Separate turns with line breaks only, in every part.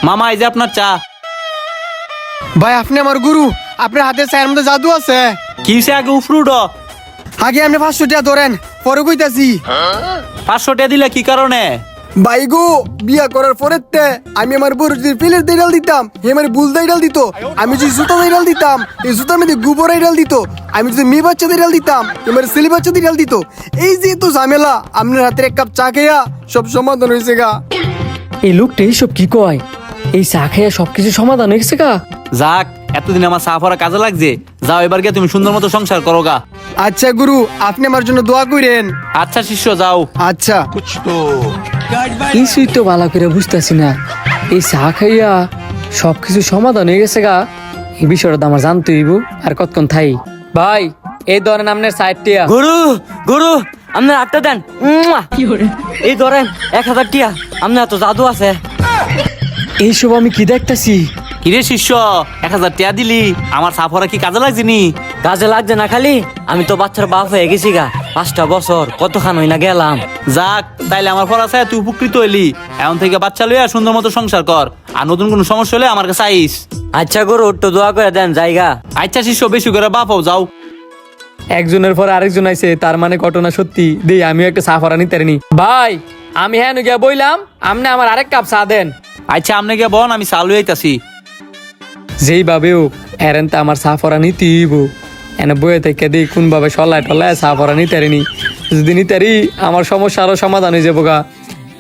মামা এই যে আপনার চা।
ভাই আপনি আমার গুরু, আপনার হাতে চায়ের মধ্যে জাদু আছে।
কি হইছে আগে উফরুড?
আগে আপনি 500 টাকা ধরেন, পরে কইতাছি।
500 টাকা দিলে কি কারণে?
ভাই গো, বিয়া করার পরে আমি আমার বড় যদি পিলের ডাল দিতাম, হে আমার বুল ডাল দিত। আমি যদি জুতা ডাল দিতাম, এই জুতার মধ্যে গোবর ডাল দিত। আমি যদি মেয়ে বাচ্চাদের ডাল দিতাম, এবার ছেলে বাচ্চাদের ডাল দিত। এই যে তো ঝামেলা, আপনার হাতের এক কাপ চা খেয়া সব সমাধান হয়েছে গা।
এই লোকটা এইসব কি কয়? এই চা খেয়ে সবকিছু সমাধান হয়ে গেছে গা।
যাক, এতদিন আমার চা পড়া কাজে লাগছে। যাও এবার গিয়ে তুমি সুন্দর মতো সংসার করো গা।
আচ্ছা গুরু, আপনি আমার জন্য দোয়া করেন।
আচ্ছা শিষ্য, যাও।
আচ্ছা।
কিছুই তো ভালো করে বুঝতেছি না। এই চা খাইয়া সবকিছু সমাধান হয়ে গেছে গা, এই বিষয়টা তো আমার জানতে হইব। আর কতক্ষণ থাই ভাই, এই ধরেন আপনার সাইডটিয়া।
গুরু গুরু আপনার হাতটা দেন। এই ধরেন 1000 টিয়া। আপনার তো জাদু আছে।
এইসব আমি কি দেখতেছি?
কিরে শিষ্য, 1000 টাকা দিলি, আমার চা পড়া কি কাজে লাগছে নি?
কাজে লাগছে না খালি, আমি তো বাচ্চার বাপ হয়ে গেছি গা। 5টা বছর কতখান হই না গেলাম।
যাক, তাইলে আমার পড়া চাই তুই উপকৃত হইলি। এখন থেকে বাচ্চা লইয়া সুন্দর মতো সংসার কর। আর নতুন কোনো সমস্যা হলে আমার কাছে আইস।
আচ্ছা গুরু, একটু দোয়া করে দেন জায়গা।
আচ্ছা শিষ্য, বেশি করে বাপ হও, যাও।
একজনের পর আরেকজন আইছে, তার মানে ঘটনা সত্যি। দেই আমিও একটা চা ফরা নিতে পারিনি। ভাই আমি হ্যাঁ গিয়া বইলাম, আপনি আমার আরেক কাপ চা দেন।
আচ্ছা আপনি গিয়ে বন, আমি চা লইয়া আইতাছি।
যেই ভাবে হোক এরেন তো আমার চা ফরা নিতেইব। এনে বইয়ে থেকে দিই কোনভাবে সলায় টলায় চা ফরা নিতে পারিনি। যদি নিতে পারি আমার সমস্যা আরো সমাধান হয়ে যাবো গা।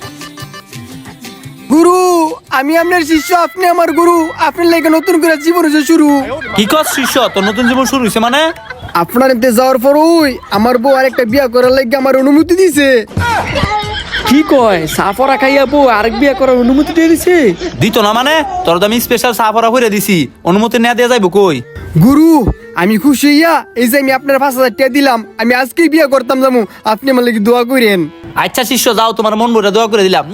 গুরু, আমি আপনার শিষ্য, আপনি আমার গুরু। আপনার লেগে নতুন করে জীবন হয়েছে শুরু।
কি কর শিষ্য, তোর নতুন জীবন শুরু হয়েছে মানে?
আপনার এতে যাওয়ার পর আমার বউ আরেকটা বিয়া করার লাগে আমার অনুমতি দিছে।
কি কয়? চা ফরা খাইয়া বউ আরেক বিয়া করার অনুমতি দিয়ে দিছে?
দিত না মানে? তোর তো আমি স্পেশাল চা পড়া করে দিছি, অনুমতি নেওয়া দেওয়া যাইব কই?
গুরু, আমি খুশি হইয়া এই যে আমি আপনার 5000 টাকা দিলাম, আমি আজকেই বিয়া করতাম যাবো। আপনি আমার লাগে দোয়া করেন।
আচ্ছা শিষ্য, যাও, তোমার মন ভরে দোয়া করে দিলাম।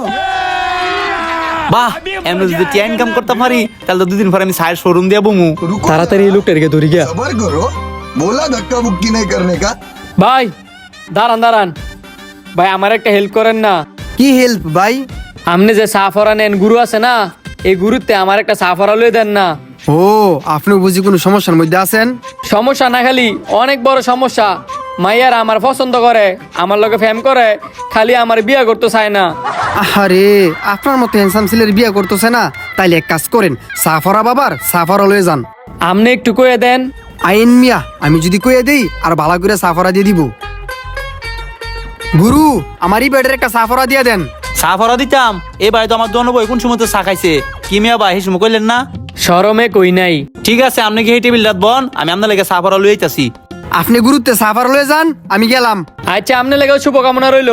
বাহ, এমনি যদি টিয়া ইনকাম করতে পারি তাহলে তো 2 দিন পরে আমি চায়ের শোরুম দিয়ে বমু।
তাড়াতাড়ি এই লোকটাকে ধরি গিয়া।
सबर करो, बोला धक्का मुक्की नहीं करने का।
ভাই দাঁড়ান দাঁড়ান, ভাই আমার একটা হেল্প করেন না।
কি হেল্প ভাই?
আপনি যে চা ফরা নেন, গুরু আছে না, এই গুরুতে আমার একটা চা ফরা লয়ে দেন না।
ও, আপনি বুঝি কোনো সমস্যার মধ্যে আছেন?
সমস্যা না, খালি অনেক বড় সমস্যা। মাইয়ার আমার পছন্দ করে, আমার লগে ফ্যাম করে, খালি আমার বিয়া করতে চায় না।
আরে, আপনার মতো হ্যান্ডসাম ছেলের বিয়া করতেছে না, তাইলে এক কাজ করেন, সাফরা বাবার সাফরা লয়ে যান।
আপনি একটু কয়ে দেন।
আইন মিয়া, আমি যদি কয়ে দেই আর ভালো করে সাফরা দিয়ে দিব। গুরু, আমারই বেডের একটা সাফরা দিয়ে দেন।
চা পড়া দিতাম, এই ভাই তো আমার দোনো বই কোন সময় তো চা খাইছে। কি মিয়া ভাই, এই সময় কইলেন না?
শরমে কই নাই।
ঠিক আছে, আপনি কি এই টেবিল রাত বন, আমি আপনার লেগে চা পড়া লই আইতাছি।
আপনি গুরুত্বে সাফরা লয়ে যান, আমি গেলাম।
আচ্ছা আপনি লেগে শুভকামনা রইলো।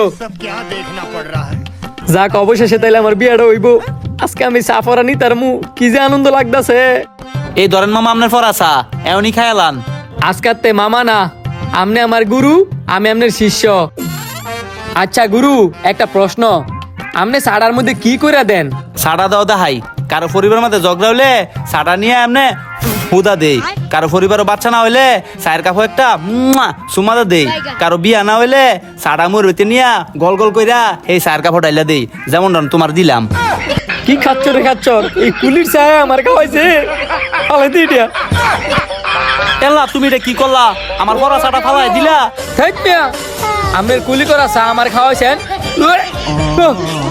যাক, অবশেষে তাইলে আমার বিয়াটা হইব। আজকে আমি চা ফরা নি, তার মু কি যে আনন্দ লাগতাছে।
এই ধরেন মামা আপনার পড়া চা, এমনই খায়ালান।
আজকাতে মামা না, আপনি আমার গুরু, আমি আপনার শিষ্য। আচ্ছা গুরু, একটা প্রশ্ন, আপনি চাটার মধ্যে কি করে দেন?
সাড়া দাও দেখাই, কারো পরিবার মধ্যে ঝগড়া হইলে সাড়া নিয়ে এমনে হুদা দেই। কারো পরিবারও বাচ্চা না হইলে চায়ের কাপড় একটা সুমাদা দেই। কারো বিয়া না হইলে সাড়া মুরবিতে নিয়া গল গল কইরা এই চায়ের কাপড় ডাইলা দেই, যেমন তোমার দিলাম।
কি খাচ্ছ রে খাচ্ছ? এই কুলির চা আমার খাওয়াইছে। ফালাই দি এটা।
এল্লা, তুমি এটা কি করলা? আমার বড় চাটা ফালাই দিলা।
থাক মিয়া, আপনার কুলি করা চা আমার খাওয়াইছেন।